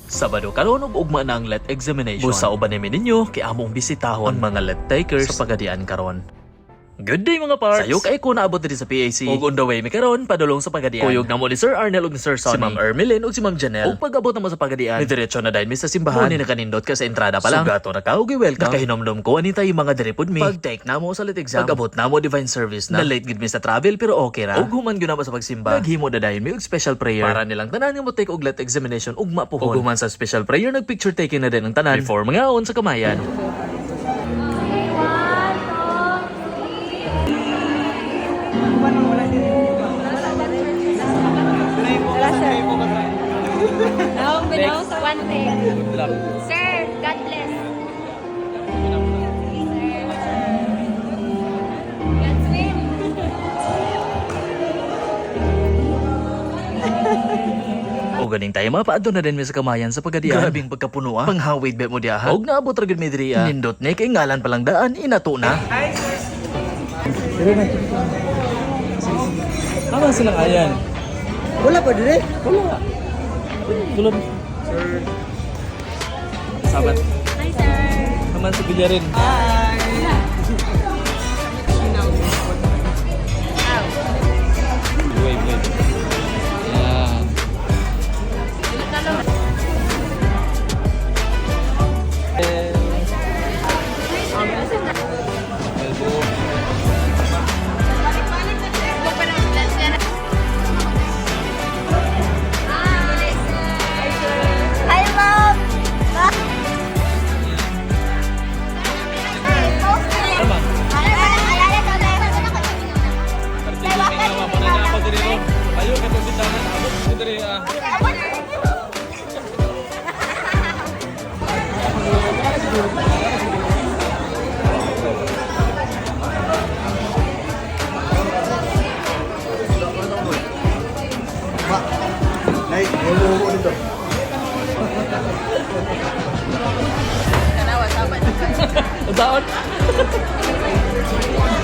Sabado karon ug ugma na ang let examination. Busa uban namin ninyo kay among bisitahon ang mga let takers sa pagadian karon. Good day mga parts! Sayo kay ko naabot diri sa PAC. Ug on the way mi karon padulong sa pagadian. Kuyog na mo ni Sir Arnel ug ni Sir Sonny, si Ma'am Ermeline ug si Ma'am Janelle. Ug pag-abot na mo sa pagadian, mi diretso na dayon mi sa simbahan. Muni na kanindot ka sa entrada pa lang. Sugato na ka ug welcome. Nakahinomdom ko ani tayo mga diri pud mi. Pag-take na mo sa lit exam. Pag-abot na mo divine service na. Na-late gid mi sa travel pero okay ra. Ug human gyud na mo sa pagsimba. Naghimo na dayon mi og special prayer para nilang tanan nga mo take og let examination ugma pohon. Ug human sa special prayer nag-picture taking na din ang tanan before mga on sa kamayan. One thing. Sir, God bless. God's will. O ganing tayo mapaadto na din mi sa kamayan sa pagadian. Grabing pagkapuno Panghawid bet mo diha. Og naabot ra gid mi diri. Nindot ni kay ngalan palang daan inato na. Tama silang ayan. Wala pa dire? Wala. Tulad. Sabat. Hi, sir. Naman sa bilyarin. Wait. Yan. Hi, Mom. Tama. Ayo ka to bitanan. Abot ko diri ah. Nay, mo dito. Daon.